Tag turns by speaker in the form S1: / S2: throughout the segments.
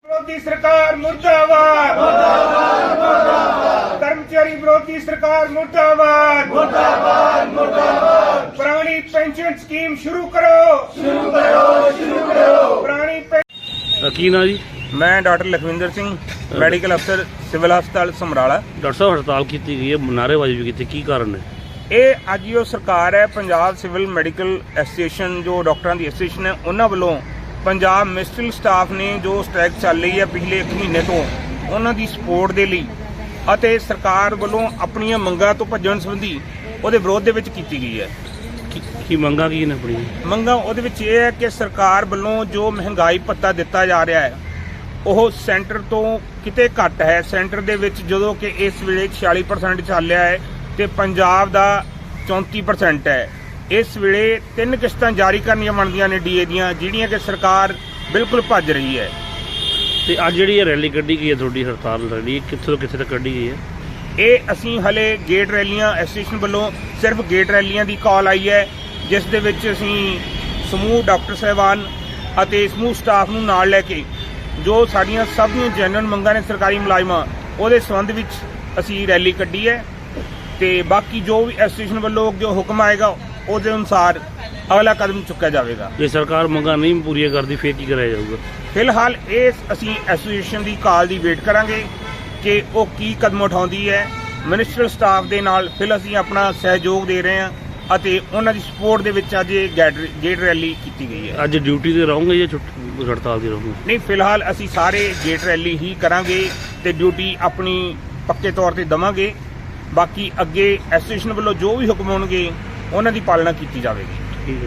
S1: विरोधी सरकार मुर्दाबाद, मुर्दाबाद, मुर्दाबाद। कर्मचारी विरोधी सरकार मुर्दाबाद, मुर्दाबाद, मुर्दाबाद। पुरानी पेंशन स्कीम शुरू करो, शुरू करो, शुरू करो। पुरानी
S2: की ना जी?
S1: मैं डॉक्टर लखविंदर सिंह, मैडिकल अफसर सिविल हस्पताल समराला।
S2: डॉक्टर साहब हड़ताल की गई है, नारेबाजी भी की, की कारण है?
S1: ਇਹ ਅੱਜ ਜੋ ਸਰਕਾਰ ਹੈ ਪੰਜਾਬ ਸਿਵਲ ਮੈਡੀਕਲ ਐਸੋਸੀਏਸ਼ਨ ਜੋ ਡਾਕਟਰਾਂ ਦੀ ਐਸੋਸੀਏਸ਼ਨ ਹੈ ਉਹਨਾਂ ਵੱਲੋਂ ਪੰਜਾਬ ਮੈਡੀਕਲ ਸਟਾਫ ਨੇ ਜੋ ਸਟ੍ਰਾਈਕ ਚੱਲ ਰਹੀ ਹੈ ਪਿਛਲੇ 1 ਮਹੀਨੇ ਤੋਂ ਉਹਨਾਂ ਦੀ ਸਪੋਰਟ ਦੇ ਲਈ ਅਤੇ ਸਰਕਾਰ ਵੱਲੋਂ ਆਪਣੀਆਂ ਮੰਗਾਂ ਤੋਂ ਭੱਜਣ ਸੰਬੰਧੀ ਉਹਦੇ ਵਿਰੋਧ ਦੇ ਵਿੱਚ ਕੀਤੀ ਗਈ ਹੈ।
S2: ਕੀ ਮੰਗਾਂ ਕੀ ਨੇ ਆਪਣੀਆਂ?
S1: ਮੰਗਾਂ ਉਹਦੇ ਵਿੱਚ ਇਹ ਹੈ ਕਿ ਸਰਕਾਰ ਵੱਲੋਂ ਜੋ ਮਹਿੰਗਾਈ ਭੱਤਾ ਦਿੱਤਾ ਜਾ ਰਿਹਾ ਹੈ ਉਹ ਸੈਂਟਰ ਤੋਂ ਕਿਤੇ ਘੱਟ ਹੈ। ਸੈਂਟਰ ਦੇ ਵਿੱਚ ਜਦੋਂ ਕਿ ਇਸ ਵੇਲੇ 46% ਚੱਲ ਰਿਹਾ ਹੈ ਤੇ ਪੰਜਾਬ ਦਾ 34% ਹੈ। ਇਸ ਵੇਲੇ 3 ਕਿਸ਼ਤਾਂ ਜਾਰੀ ਕਰਨੀਆਂ ਬਣਦੀਆਂ ਨੇ ਡੀਏ ਦੀਆਂ, ਜਿਹੜੀਆਂ ਕਿ ਸਰਕਾਰ ਬਿਲਕੁਲ ਭੱਜ ਰਹੀ ਹੈ।
S2: ਤੇ ਅੱਜ ਜਿਹੜੀ ਰੈਲੀ ਕੱਢੀ ਗਈ ਹੈ ਤੁਹਾਡੀ ਹੜਤਾਲ ਰੈਲੀ, ਕਿੱਥੋਂ ਤੋਂ ਕਿੱਥੇ ਤੱਕ ਕੱਢੀ ਗਈ ਹੈ?
S1: ਇਹ ਅਸੀਂ ਹਲੇ ਗੇਟ ਰੈਲੀਆਂ ਐਸੋਸੀਏਸ਼ਨ ਵੱਲੋਂ ਸਿਰਫ ਗੇਟ ਰੈਲੀਆਂ ਦੀ ਕਾਲ ਆਈ ਹੈ, ਜਿਸ ਦੇ ਵਿੱਚ ਅਸੀਂ ਸਮੂਹ ਡਾਕਟਰ ਸਾਹਿਬਾਨ ਅਤੇ ਸਮੂਹ ਸਟਾਫ ਨੂੰ ਨਾਲ ਲੈ ਕੇ ਜੋ ਸਾਡੀਆਂ ਸਭ ਦੀਆਂ ਜੈਨੂਅਨ ਮੰਗਾਂ ਨੇ ਸਰਕਾਰੀ ਮੁਲਾਜ਼ਮਾਂ ਉਹਦੇ ਸੰਬੰਧ ਵਿੱਚ ਅਸੀਂ ਰੈਲੀ ਕੱਢੀ ਹੈ ਤੇ ਬਾਕੀ ਜੋ ਵੀ ਐਸੋਸੀਏਸ਼ਨ ਵੱਲੋਂ ਜੋ ਹੁਕਮ ਆਏਗਾ ਉਹਦੇ ਅਨੁਸਾਰ ਅਗਲਾ ਕਦਮ ਚੁੱਕਿਆ ਜਾਵੇਗਾ।
S2: ਜੇ ਸਰਕਾਰ ਮੰਗਾਂ ਨਹੀਂ ਪੂਰੀਆਂ ਕਰਦੀ ਫਿਰ ਕੀ ਕਰਿਆ ਜਾਊਗਾ?
S1: ਫਿਲਹਾਲ ਇਹ ਅਸੀਂ ਐਸੋਸੀਏਸ਼ਨ ਦੀ ਕਾਲ ਦੀ ਵੇਟ ਕਰਾਂਗੇ ਕਿ ਉਹ ਕੀ ਕਦਮ ਉਠਾਉਂਦੀ ਹੈ। ਮਿਨਿਸਟਰ ਸਟਾਫ ਦੇ ਨਾਲ ਫਿਰ ਅਸੀਂ ਆਪਣਾ ਸਹਿਯੋਗ ਦੇ ਰਹੇ ਹਾਂ ਅਤੇ ਉਹਨਾਂ ਦੀ ਸਪੋਰਟ ਦੇ ਵਿੱਚ ਅੱਜ ਇਹ ਗੇਟ ਰੈਲੀ ਕੀਤੀ ਗਈ ਹੈ।
S2: ਅੱਜ ਡਿਊਟੀ ਤੇ ਰਹੋਗੇ ਜਾਂ ਹੜਤਾਲ ਤੇ ਰਹੋਗੇ?
S1: ਨਹੀਂ, ਫਿਲਹਾਲ ਅਸੀਂ ਸਾਰੇ ਗੇਟ ਰੈਲੀ ਹੀ ਕਰਾਂਗੇ ਤੇ ਡਿਊਟੀ ਆਪਣੀ ਪੱਕੇ ਤੌਰ ਤੇ ਦੇਵਾਂਗੇ। ਬਾਕੀ ਅੱਗੇ ਐਸੋਸੀਏਸ਼ਨ ਵੱਲੋਂ ਜੋ ਵੀ ਹੁਕਮ ਹੋਣਗੇ ਉਹਨਾਂ ਦੀ ਪਾਲਣਾ ਕੀਤੀ ਜਾਵੇਗੀ।
S2: ਠੀਕ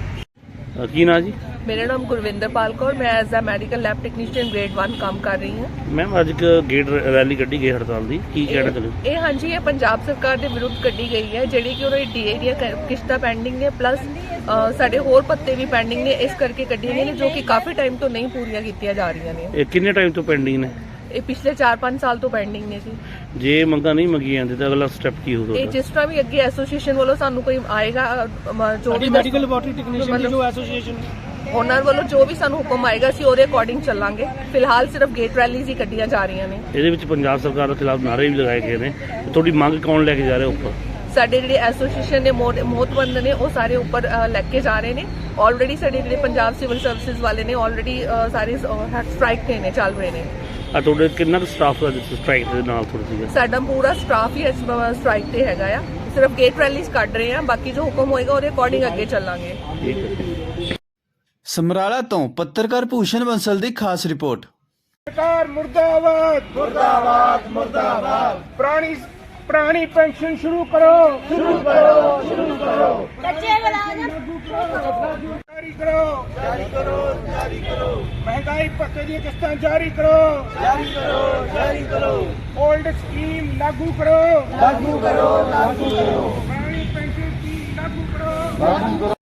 S2: ਹੈ। ਕੀ ਨਾ ਜੀ?
S3: मेरा नाम गुरविंदर पाल कौर, मैं as a medical lab technician grade 1 काम कर रही हूँ।
S2: मैम ਅੱਜ ਗੇਟ ਰੈਲੀ ਕੱਢੀ ਗਈ ਹੜਤਾਲ ਦੀ, ਕੀ ਕਹਿਣਾ ਚਾਹੁੰਦੇ?
S3: ਇਹ ਹਾਂਜੀ ਇਹ ਪੰਜਾਬ ਸਰਕਾਰ ਦੇ ਵਿਰੁੱਧ ਕੱਢੀ ਗਈ ਹੈ, ਜਿਹੜੀ ਕਿ ਉਹਨਾਂ ਦੀ ਡੀਏ ਦੀਆਂ ਕਿਸ਼ਤਾਂ ਪੈਂਡਿੰਗ ਨੇ, ਪਲੱਸ ਸਾਡੇ ਹੋਰ ਭੱਤੇ ਵੀ ਪੈਂਡਿੰਗ ਨੇ, ਇਸ ਕਰਕੇ ਕੱਢੀਆਂ ਗਈਆਂ ਨੇ ਜੋ ਕਿ ਕਾਫੀ ਟਾਈਮ ਤੋਂ ਨਹੀਂ ਪੂਰੀਆਂ ਕੀਤੀਆਂ ਜਾ ਰਹੀਆਂ ਨੇ।
S2: ਇਹ ਕਿੰਨੇ ਟਾਈਮ ਤੋਂ ਪੈਂਡਿੰਗ ਨੇ?
S3: ਇਹ ਪਿਛਲੇ 4-5 ਸਾਲ ਤੋਂ ਪੈਂਡਿੰਗ ਨੇ ਜੀ।
S2: ਜੇ ਮੰਗਾਂ ਨਹੀਂ ਮੰਗੀਆਂ ਜਾਂਦੀ ਤਾਂ ਅਗਲਾ ਸਟੈਪ ਕੀ ਹੋਊਗਾ?
S3: ਇਹ ਜਿਸ ਤਰ੍ਹਾਂ ਵੀ ਅੱਗੇ ਐਸੋਸੀਏਸ਼ਨ ਵੱਲੋਂ ਸਾਨੂੰ ਕੋਈ ਆਏਗਾ ਜੋ ਵੀ
S4: ਮੈਡੀਕਲ ਲੈਬੋਰਟਰੀ ਟੈਕਨੀਸ਼ੀਅਨ ਦੀ ਜੋ ਐਸੋਸੀਏਸ਼ਨ
S3: ਉਹਨਾਂ ਵੱਲੋਂ ਜੋ ਵੀ ਸਾਨੂੰ ਹੁਕਮ ਆਏਗਾ ਅਸੀਂ ਉਹਦੇ ਅਕੋਰਡਿੰਗ ਚੱਲਾਂਗੇ। ਫਿਲਹਾਲ ਸਿਰਫ ਗੇਟ ਰੈਲੀਜ਼ ਹੀ ਕੱਢੀਆਂ ਜਾ ਰਹੀਆਂ ਨੇ।
S2: ਇਹਦੇ ਵਿੱਚ ਪੰਜਾਬ ਸਰਕਾਰ ਦੇ ਖਿਲਾਫ ਨਾਅਰੇ ਵੀ ਲਗਾਏ ਗਏ ਨੇ, ਤੁਹਾਡੀ ਮੰਗ ਕੌਣ ਲੈ ਕੇ ਜਾ ਰਿਹਾ ਉੱਪਰ?
S3: ਸਾਡੇ ਜਿਹੜੇ ਐਸੋਸੀਏਸ਼ਨ ਨੇ ਮੋਹਤਬੰਦ ਨੇ ਉਹ ਸਾਰੇ ਉੱਪਰ ਲੈ ਕੇ ਜਾ ਰਹੇ ਨੇ। ਆਲਰੇਡੀ ਸਾਡੇ ਜਿਹੜੇ ਪੰਜਾਬ ਸਿਵਲ ਸਰਵਿਸਿਜ਼ ਵਾਲੇ ਨੇ ਆਲਰੇਡੀ ਸਾਰੇ ਸਟ੍ਰਾਈਕ ਤੇ ਨੇ, ਚੱਲ ਰਹੇ ਨੇ।
S2: ਆ ਤੁਹਾਡੇ ਕਿੰਨਾ ਕੁ ਸਟਾਫ ਸਟ੍ਰਾਈਕ ਦੇ ਨਾਲ ਥੋੜਾ ਸੀਗਾ?
S3: ਸਾਡਾ ਪੂਰਾ ਸਟਾਫ ਹੀ ਸਟ੍ਰਾਈਕ ਤੇ ਹੈਗਾ ਆ। ਸਿਰਫ ਗੇਟ ਰੈਲੀਜ਼ ਕੱਢ ਰਹੇ ਆ, ਬਾਕੀ ਜੋ ਹੁਕਮ ਹੋਏਗਾ ਉਹਦੇ ਅਕੋਰਡਿੰਗ ਅੱਗੇ ਚੱਲਾਂਗੇ।
S2: ਠੀਕ ਹੈ।
S5: ਸਮਰਾਲਾ ਤੋਂ ਪੱਤਰਕਾਰ ਭੂਸ਼ਣ ਬੰਸਲ ਦੀ ਖਾਸ ਰਿਪੋਰਟ।
S1: ਸਰਕਾਰ ਮੁਰਦਾਬਾਦ, ਮੁਰਦਾਬਾਦ, ਮੁਰਦਾਬਾਦ। ਪੁਰਾਣੀ ਪੈਨਸ਼ਨ ਸ਼ੁਰੂ ਕਰੋ, ਸ਼ੁਰੂ ਕਰੋ, ਸ਼ੁਰੂ ਕਰੋ।
S6: ਕੱਚੇ ਮੁਲਾਜ਼ਮ
S1: ਜਾਰੀ ਕਰੋ, ਜਾਰੀ ਕਰੋ, ਜਾਰੀ ਕਰੋ। ਮਹਿੰਗਾਈ ਭੱਤੇ ਦੀਆਂ ਕਿਸ਼ਤਾਂ ਜਾਰੀ ਕਰੋ, ਜਾਰੀ ਕਰੋ, ਜਾਰੀ ਕਰੋ। ਓਲਡ ਸਕੀਮ ਲਾਗੂ ਕਰੋ, ਲਾਗੂ ਕਰੋ, ਲਾਗੂ ਕਰੋ। ਪੁਰਾਣੀ ਪੈਨਸ਼ਨ ਸਕੀਮ ਲਾਗੂ ਕਰੋ, ਲਾਗੂ ਕਰੋ।